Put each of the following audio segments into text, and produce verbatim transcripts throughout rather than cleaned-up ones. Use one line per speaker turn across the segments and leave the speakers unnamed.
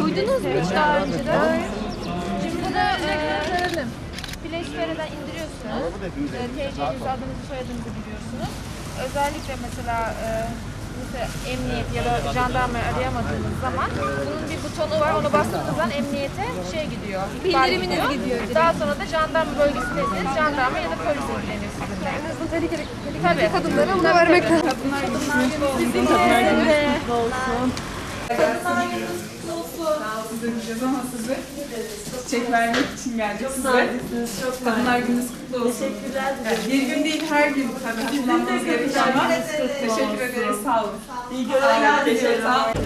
Duydunuz mu hiç daha önceden? Şimdi bunu e, Play Store'dan indiriyorsunuz. E, T C'nizi, adınızı, soyadınızı giriyorsunuz. Özellikle mesela e, mesela emniyet ya da jandarmayı arayamadığınız zaman bunun bir butonu var. Onu bastığınız zaman emniyete şey gidiyor.
Bildiriminiz gidiyor.
Daha sonra da jandarma bölgesindesiniz. Jandarma ya da polis ilgileniyor sizinle.
En azından tehlikeli,
Tabii.
tehlikeli kadınlara bunu vermek lazım.
Kadınlar
Bizim
Kadınlar
de.
gününüz kutlu olsun.
Kadınlar gününüz kutlu olsun.
Size gideceğiz ama size çiçek vermek için geldik size. Kadınlar gününüz kutlu olsun.
Teşekkürler.
Yani bir gün değil, her gün tabii kullanmanız gerekiyor ama teşekkür ederiz, sağ olun.
İyi görevler diliyorum.
Sağ olun.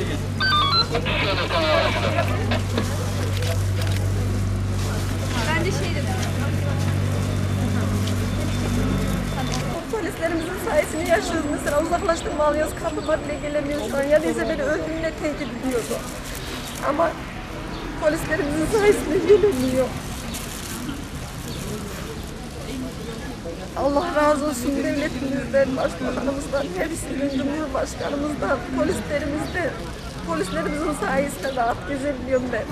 Ben de şey dedim. Polislerimizin sayesinde yaşıyoruz. Mesela uzaklaştırma alıyoruz, kapıma bile gelemiyor şu an. Ya neyse beni öldürmeye tehdit ediyordu. Ama polislerimizin sayesinde gelemiyor. Allah razı olsun devletimizden, başbakanımızdan, hepsinden, cumhurbaşkanımızdan, polislerimizden. Polislerimizin sayesinde rahat gezebiliyorum ben.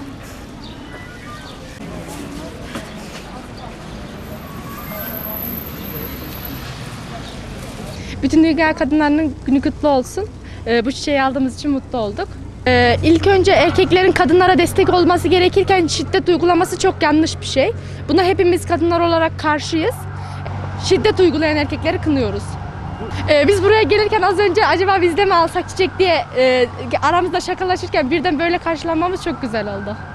Bütün Dünya Kadınlarının Günü kutlu olsun. Ee, bu çiçeği aldığımız için mutlu olduk. Ee, ilk önce erkeklerin kadınlara destek olması gerekirken şiddet uygulaması çok yanlış bir şey. Buna hepimiz kadınlar olarak karşıyız. Şiddet uygulayan erkekleri kınıyoruz. Ee, biz buraya gelirken az önce acaba biz de mi alsak çiçek diye e, aramızda şakalaşırken birden böyle karşılanmamız çok güzel oldu.